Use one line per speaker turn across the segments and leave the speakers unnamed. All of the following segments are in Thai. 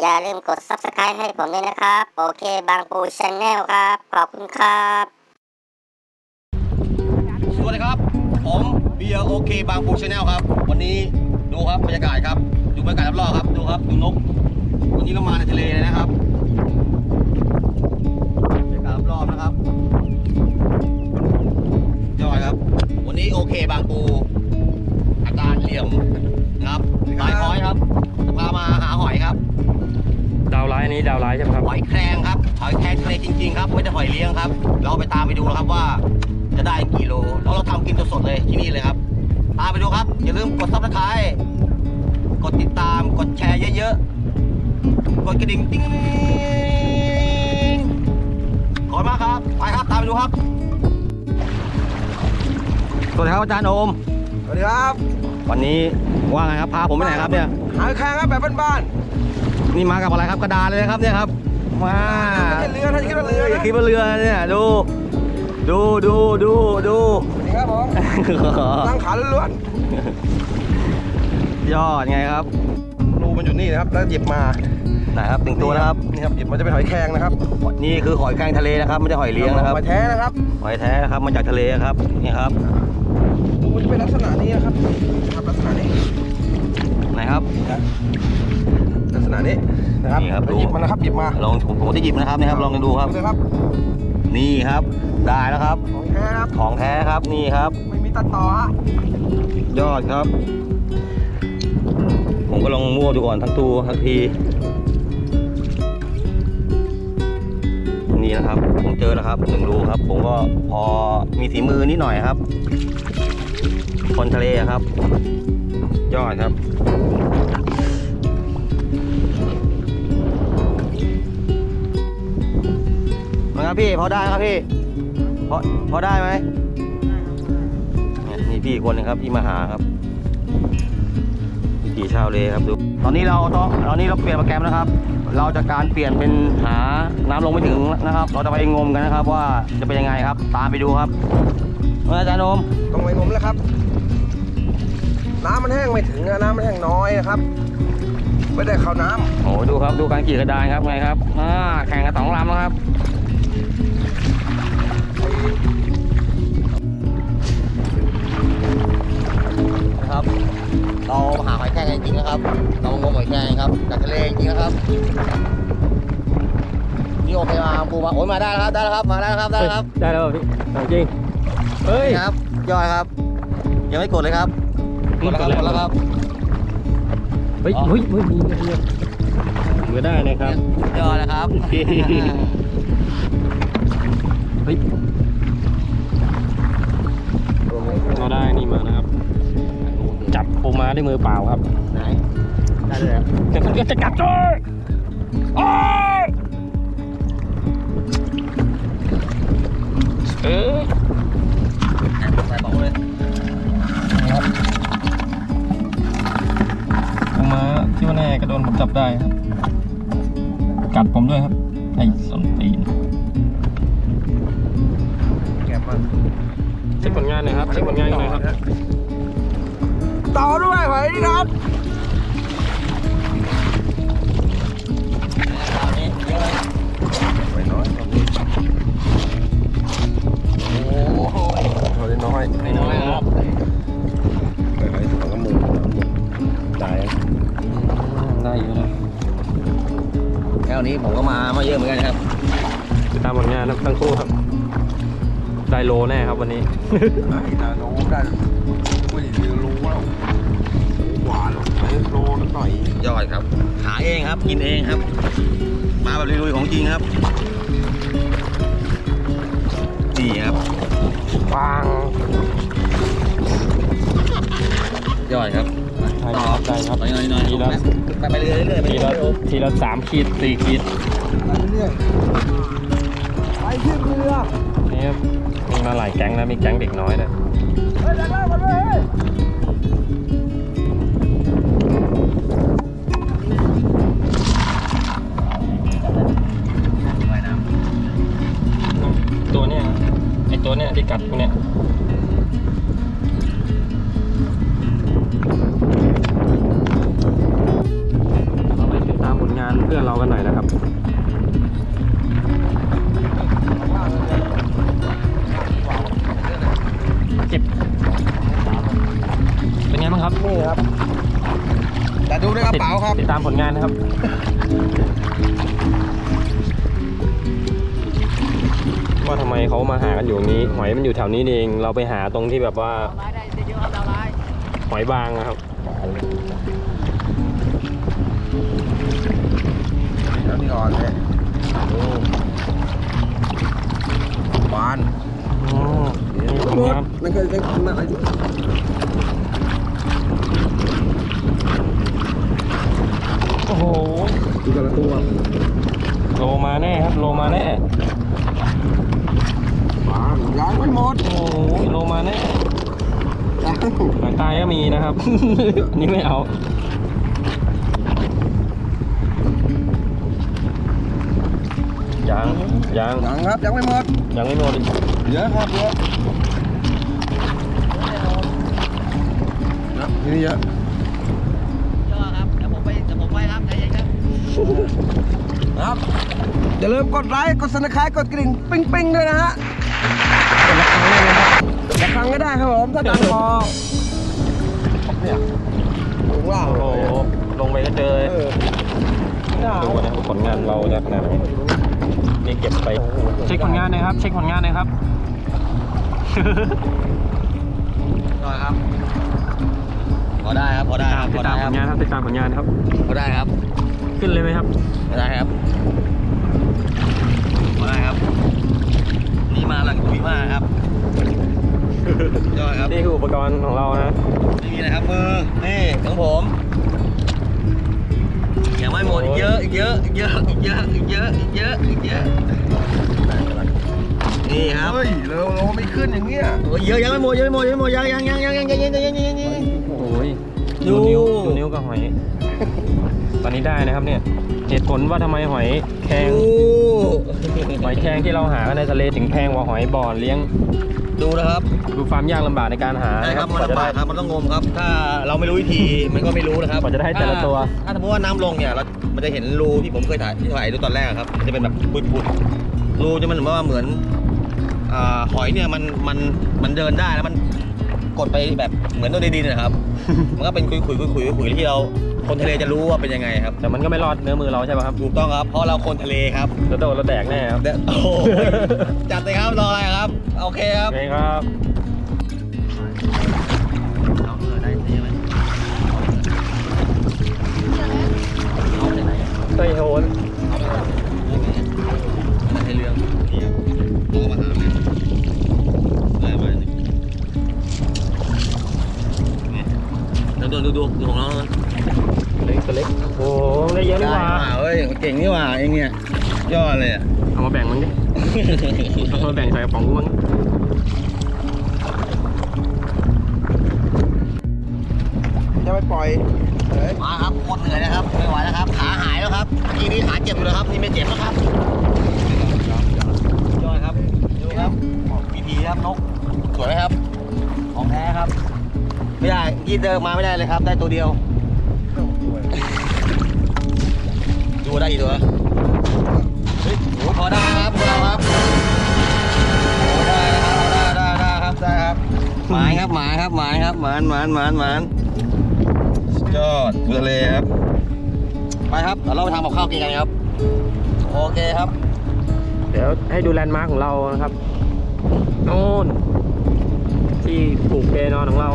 อย่าลืมกด Subscribe ให้ผมด้วยนะครับโอเคบางปูชาแนลครับขอบคุณครับ
สวัสดีครับผมเบียร์โอเคบางปูชาแนลครับวันนี้ดูครับบรรยากาศครับดูบรรยากาศรอบๆครับดูครับดูนกวันนี้เรามาในทะเลเลยนะครับบรรยากาศรอบๆนะครับยอดครับวันนี้โอเคบางปูอาการเหลี่ยมนะครับลายคอยครับพามาหาหอยครับ
ดาวไลน์นี้ดาวไลน์ใช่ไหมครับ
หอยแครงครับหอยแครงทะเลจริงๆครับไม่ได้หอยเลี้ยงครับเราไปตามไปดูนะครับว่าจะได้กี่โลแล้วเราทำกินสดๆเลยที่นี่เลยครับตามไปดูครับอย่าลืมกด Subscribe กดติดตามกดแชร์เยอะๆกดกระดิ่งติ๊งขอบคุณมากครับไปครับตามไปดูครับสวัสดีครับอาจารย์โอม
สวัสดีครับ
วันนี้ว่าไงครับพาผมไปไหนครับเนี่ย
หาแข่งครับแบบบ้าน
นี่มากับอะไรครับกระดาษเลยครับเนี่ยครับมา
ๆเรือท่านคิดว่าเรือนะ
คิดว่าเรือเนี่ยดู
นี่ครับผมตั้งขาล้วน
ยอดไงครับ
รูมันอยู่นี่นะครับแล้วหยิบมา
ไหนครับถึงตัวนะครับ
นี่ครับหยิบมันจะเป็นหอยแครงนะครับ
นี่คือหอยแครงทะเลนะครับไม่ใช่หอยเลี้ยงนะครับ
หอยแท้นะครับ
หอยแท้นะครับมาจากทะเลครับนี่ครับ
รูมันจะเป็นลักษณะนี้นะครับลักษณะนี้
ไหนครับ
ลักษณะนี้นะครับ
นี่ครับ
หยิบมันนะครับหยิบมา
ลองผมจะหยิบนะครับนี่ครับลองดูครับนี่ครับได้แล้วครับ
ของแท้ครับ
ของแท้ครับนี่ครับ
ไม่มีตัดต่อฮะ
ยอดครับผมก็ลองมั่วดูก่อนทั้งตัวทั้งทีนี่นะครับผมเจอแล้วครับ1 รูครับผมก็พอมีฝีมือนิดหน่อยครับคนทะเลครับยอดครับนะครับพี่พอได้ครับพี่พอได้ไหมนี่พี่คนนึงครับที่มาหาครับพี่ชาวเลครับดูตอนนี้เราเปลี่ยนโปรแกรมนะครับเราจะการเปลี่ยนเป็นหาน้ำลงไม่ถึงนะครับเราจะไปงมกันนะครับว่าจะเป็นยังไงครับตามไปดูครับอาจารย์โอม
ต้องไปงมแล้วครับน้ำมันแห้งไม่ถึงน้ำมันแห้งน้อยนะครับไม่ได้เข้าน้
ำโอ้ดูครับดูการขี่กระดานครับไงครับแข่งกัน2 ลำนะครับนะครับเราหาหอยแครงจริงๆนะครับเรางมหอยแครงครับจากทะเลจริงๆนะครับนี่โอเคมาปูมาโอ้ยมาได้แล้วครับได้แล้วครับมาได้แล้วครับได้แล้วครับ
ได้แล้วพี่จริงเฮ้ย
ครับยอดครับยังไม่กดเลยครับกดแล้วครับ
เฮ้ยมือได้นะครับ
ยอดนะครับ
เฮ้ยเราได้นี่มานะครับจับปูม้าด้วยมือเปล่าครับ
ไหนได้เลย
แต่มันก็จะกัดจ้อย
ใส่บอกเลย
ปูม้าที่ว่าแน่กระโดนผมจับได้ครับกัดผมด้วยครับไอ้ส้นตีน
ำแกะมัน
เช็คผลงานหน่อยครับเช็คผลงานหน่อยครับ
ต่อด้วยหอยนี่ครับหอยน้อยโอ้โหหอยน้อย
ครับ
หอยถังกระมู
ได้อยู่นะ
แค่นี้ผมก็มาเยอะเหมือนกันครับ
ติดตามผลงานทั้งคู่ครับได้โลแน่ครับวันนี้
ได้โลได้ไม่ได้โลแล้วหวานได้โลนิดหน่อย
ยอดครับหาเองครับกินเองครับมาแบบลุยๆของจริงครับนี่ครับ
ฟัง
ยอดครับ
ต่อได้ครับ
หน่อยไปเรื่อย
ๆทีละ3 ขีด 4 ขีด
ไปเรื่อยไปขึ้นเรือ
นี่ครับมีมาหลายแก๊งนะมีแก๊งเด็กน้อยนะตัวเนี้ยไอตัวเนี้ยที่กัดพวกเนี้ยเราไปติดตามผลงานพื่อนๆเรากันหน่อยนะครับเก็บเป็นไงบ้างครับ
นี่ครับ แต่ดูในกระเป๋าครับ
ติดตามผลงานนะครับว่าทำไมเขามาหากันอยู่ตรงนี้หอยมันอยู่แถวนี้เองเราไปหาตรงที่แบบว่าหอยบางนะครับ
แล้วนี่อ่อนเลยบาน
อ๋อนี่ผลงาน
นั่นคือเป็นอะไร
โอ้โห
ดูกันละตัว
โลมาแน่ครับโลมาแน่
บานล้างไม่หมด
โอ้โหโลมาแน่หางตายก็มีนะครับ นี่ไม่เอายัง
ยังครับยังไม่หมด
ยังไม่หมดอีก
เยอะครับเยอะนี่เยอะ
ยอดครับเดี๋ยวผมไปครับใจเย็นครับ
ครับอย่าลืมกดไลค์กดซับสไครต์กดกระดิ่งปิ้งๆด้วยนะฮะ
เป็นละครั้งเลยนะครับ
ละครั้งก็ได้ครับผมถ้าดังพอเนี่ยถึงว่า
โอ้โหลงไปก็เจอดูนะผลงานเราจะขนาดไหนนี่เก็บไปเช็คผลงานหน่อยครับ เช็คผลงานหน่อยครับ
ยอดครับพอได้ครับพอได้ครับ
ติดตามผลงานครับติดตามผลงานครับ
พอได้ครับ
ขึ้นเลยไหมครับ
พอได้ครับพอได้ครับ นี่มาหลังคุยมากครับยอดครับ
นี่คืออุปกรณ์ของเรานะ
ไม่มีอะไรครับมือนี่ของผมยังไม่หมดอีกเยอะอีกเยอะอีกเยอะอีกเยอะอีกเยอะอีกเยอะอีกเยอะนี่ครับ
เฮ้ยเราไม่ขึ้นอย่างเงี้ย
โอ้ยเยอะยังไม่หมดยังไม่หมดยังไม่หมดยัง
โอ้ยดูนิ้วกับหอย ตอนนี้ได้นะครับเนี่ยเหตุผลว่าทำไมหอยแครงหอยแครงที่เราหากันในทะเลถึงแพงกว่าหอยบ่อเลี้ยง
ดูนะครับ
ดูความยากลำบากในการหา
ใช่ครับมัน
กว่าจะ
ลำ
ได้
บากครับมันต้องงมครับ ถ้าเราไม่รู้วิธีมันก็ไม่รู้นะครับ
กว่าจะได้แต่ละตัว
ถ้าสมมติว่าน้ำลงเนี่ยเรามันจะเห็นรูที่ผมเคยถ่ายดูตอนแรกครับมันจะเป็นแบบปุดๆรูจะมันเหมือนหอยเนี่ยมันเดินได้แล้วมันกดไปแบบเหมือนตัวในดินนะครับ มันก็เป็นคุยที่เราคนทะเลจะรู้ว่าเป็นยังไงครับ
แต่มันก็ไม่รอดเนื้อมือเราใช่ป่ะครับ
ถูกต้องครับเพราะเราคนทะเลครับ
เราโดนเราแดกแน่ครับ
เดี๋ยวโอ้โหจัดเลยครับรออะไรครับโอเคค
โอ
รับ
เคครับ
เอาเรือได้ใช่ไหมเอาไปไหน
เฮ้ยโหน
มันให้เรื่องนี่ครับโตมาหาเลยได้มาเนี่ยแล้วดูของน้อง
เล็กตัวเล็กโอ้โหได้เยอะนี่หว่า
เฮ้ยเก่งนี่หว่าเองเนี่ยยอดเลยอ่ะ
เอามาแบ่งมันดิเอามาแบ่งใส่กระป๋องกูมั้ง
จะไปปล่อยเฮ้ย
มาครับโคตรเหนื่อยนะครับไม่ไหวแล้วครับขาหายแล้วครับทีนี้ขาเจ็บอยู่แล้วครับนี่ไม่เจ็บแล้วครับยอดครับดูครับวิธีครับนกสวยไหมครับของแท้ครับไม่ได้ยีดเดินมาไม่ได้เลยครับ ได้ตัวเดียวดูได้อีกตัวเฮ้ยโอ้พอได้ครับพอได้ครับโอ้ได้ครับได้ครับหมายครับหมานสุดยอดทะเลครับไปครับเดี๋ยวเราไปทำกับข้าวกินกันครับโอเคครับ
เดี๋ยวให้ดูแลนด์มาร์คของเรานะครับโน่นที่ปลูกเปนอนของเรา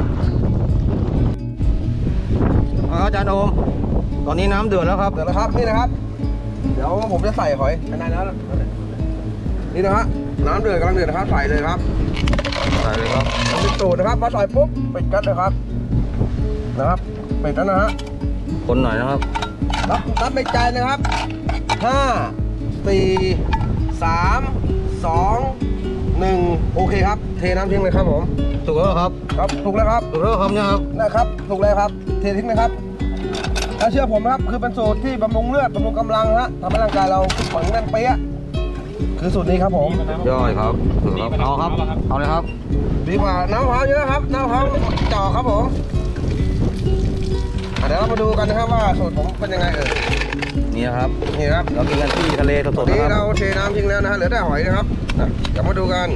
อาจารย์โอมตอนนี้น้ำเดือดแล้วครับ
เดี๋ยวนะครับนี่นะครับ เดี๋ยวผมจะใส่หอยในนั้นแล้วนี่นะฮะน้ำเดือดกำลังเดือดนะครับใส่เลยครับ
ใส่เลยครับ
ปิดตูดนะครับพอใส่ปุ๊บปิดกันเลยครับนะครับปิดแล้วนะฮะ
คนหน่อยนะครับ
นับในใจนะครับ5 4 3 2 1โอเคครับเทน้ำทิ้งเลยครับผม
ถูกแล้วครับ
ครับถูกแล้วครับ
ถูกแล้วครับเนี่ยครับ
นะครับถูกเลยครับเททิ้งเลยครับถ้าเชื่อผมนะครับคือเป็นสูตรที่บำรุงเลือดบำรุงกำลังฮะทำให้ร่างกายเราแข็งแรงเปี้ยคือสูตรนี้ครับผม
ย่อยครับเอาครับเอาเลยครับ
ดีกว่าน้ำมะพร้าวเยอะครับน้ำมะพร้าวจ่อครับผมเดี๋ยวเรามาดูกันนะครับว่าสูตรผมเป็นยังไง
นนี่นะครับ
นี่ครับ
เรากินกันที่ทะเลส
ตอ
ด
น
ๆ
นี้
นะค
เรา
รับ
เทน้ำทิ้งแล้วนะฮะเหลือแต่หอยนะครับกลับมาดูกัน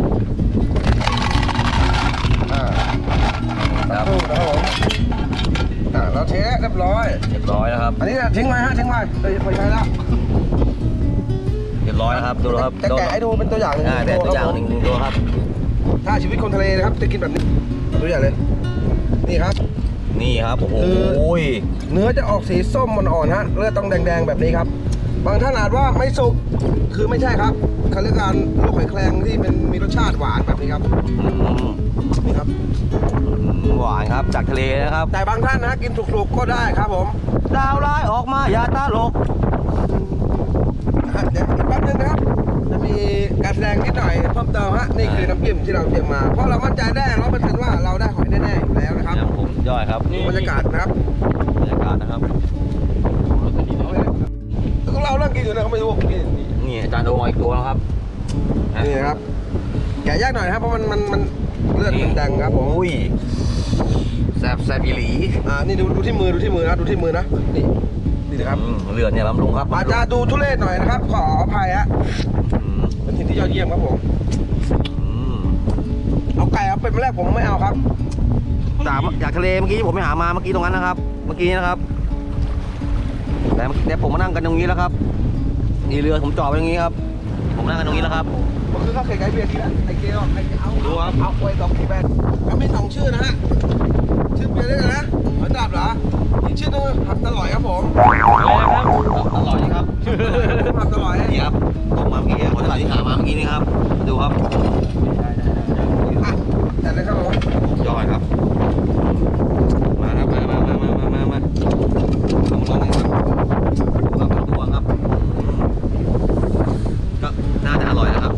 ครับผมเราเทเรียบร้อย
เรียบร้อยนะครับ
อันนี้ทิ้งไว้ฮะทิ้งไว้ไปใช้แล้ว
เรียบร้อยนะครับดูนะครับ
จะแกะให้ดูเป็นตัวอย่างหนึ่ง
แต่ตัวอย่างหนึ่งตัวครับ
ถ้าชีวิตคนทะเลนะครับจะกินแบบนี้ตัวอย่างเลยนี่ครับ
นี่ครับโอ้โห
เนื้อจะออกสีส้มอ่อนๆฮะเลือดต้องแดงๆแบบนี้ครับบางท่านอาจว่าไม่สุกคือไม่ใช่ครับเขาเรียกการลูกหอยแครงที่มีรสชาติหวานแบบนี้ครับนี่ครับ
หวานครับจากทะเลนะครับ
แต่บางท่านนะกินสุกๆก็ได้ครับผม
ดาวร้ายออกมาอย่าตาลก
เดี๋ยวอีกแป๊บนึงนะครับจะมีการแสดงนิดหน่อยเพิ่มเติมฮะนี่คือน้ำจิ้มที่เราเตรียมมาเพราะเรามั่นใจได้100%ว่าเราได้หอยแน่ๆอยู่แล้วนะครับ
อย่างผมย่อยครับ
บรรยากาศนะครับ
บรรยากาศนะครับ
แล้วเราเริ่มกินอยู่นะเขาไม่รู้กิน
นี่อาจารย์โดมาอีกตัวแล้วครับ
นี่นะครับแกะยากหน่อยนะครับเพราะมันเลือดมันแดงครับผม
อุ้ยแซบอีหลี
นี่ดูที่มือนะดูที่มือนะนี่นะครับ
เลือดเนี่ยบำรุงครับ
อาจจะดูทุเรศหน่อยนะครับขออภัยฮะเป็นสิ่งที่ยอดเยี่ยมครับผมเอาไก่เอาเป็ดมาแรกผมไม่เอาครับ
จากทะเลเมื่อกี้ที่ผมไปหามาเมื่อกี้ตรงนั้นนะครับ เมื่อกี้นะครับแต่ผมมานั่งกันตรงนี้แล้วครับนี่เรือผมจอดไว้ตรงนี้ครับ ผมนั่งกันตรงนี้แล้วครับ
มันคือข้าวไข่ไก่เบียร์ทีละไอ้เกลไอ้เอา
ดูครับ
เอาไว้2 แบรนด์เขามี2ชื่อนะฮะชื่อเบียร์ด้วยกันนะหอยดาบเหรออีกชื่อนึงผัดตะหลอยครับผม
อร่อยครับ
ผัดตะหลอย
นี่ครับตกมาเมื่อกี้คนตลาดที่หามาเมื่อกี้นี่ครับดูครับ
แต่เลยครับผม
ยอดครับมาครับมาเอามาลองเลยครับตัวครับก็น่าจะอร่อยนะครับ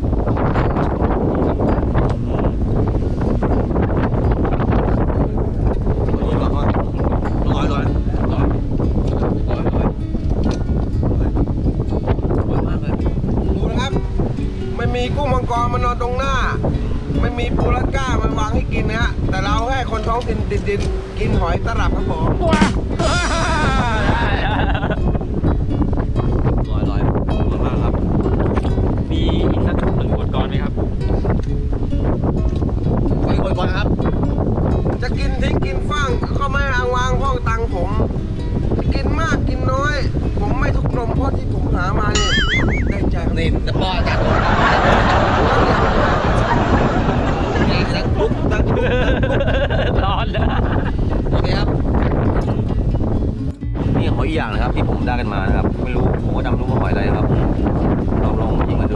ดูนะครับไม่มีกุ้งมังกรมานอนตรงหน้า ไม่มีปูรัดก้ามันวางให้กินนะฮะแต่เราให้คนท้องถิ่นติดดินกินหอยตลับครับผม
อร่อยมากครับ
มีอีกสัก1 บทกรไหมครับ
ไปก่อนครับ
จะกินทิ้งกินฟั่งก็ไม่อ้างวางพ่อตังผมกินมากกินน้อย ผมไม่ทุกนมเพราะที่ผมหามาเนี่ยได้ใจครับ
นี่จะป้อนจัดนี่ตั้งปุ๊บตั้งปุ๊บ
ร้อนแล้ว
โอเคครับนี่หอยอีกอย่างนะครับที่ผมได้กันมานะครับไม่รู้ผมก็จำรู้ว่าหอยอะไรนะครับลองยิงมาดู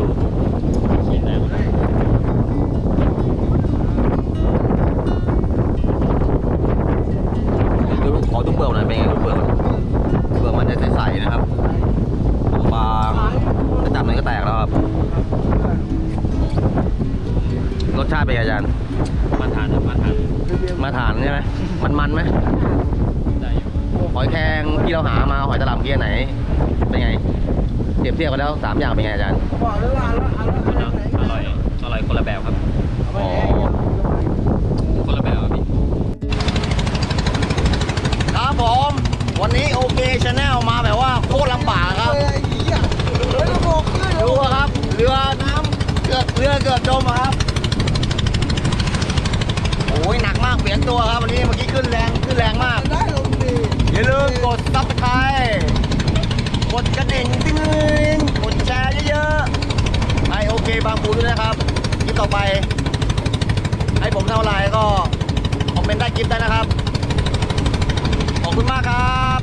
ขอดูเปลือกหน่อยเป็นไงดูเปลือกมันจะใสๆนะครับบางๆจะจับมันก็แตกแล้วครับรสชาติเป็นไงอาจารย์
มาทาน
ใช่ไหมมันไหม
ได้อยู่
หอยแครงที่เราหามาหอยตลับเมื่อกี้ไหนเป็นไงเปรียบเทียบกันแล้ว3 อย่างเป็นไงอาจารย์
บอกเลยว่า
อร่อยคนละแบบครับ
อ๋อ
คนละแบบครับพี่
ครับผมวันนี้โอเคชาแนลมาแบบว่าโคตรลำบากครับดูครับเรือน้ำเกือบจมครับโอ้ยหนักมากเปลี่ยนตัวครับวันนี้เมื่อกี้ขึ้นแรงมากอย่าลืมกดซับสไครต์กดกระดิ่งติ๊งกดแชร์เยอะๆให้โอเคบางปูด้วยนะครับคลิปต่อไปให้ผมเท่าไรก็คอมเมนต์ใต้คลิปได้นะครับขอบคุณมากครับ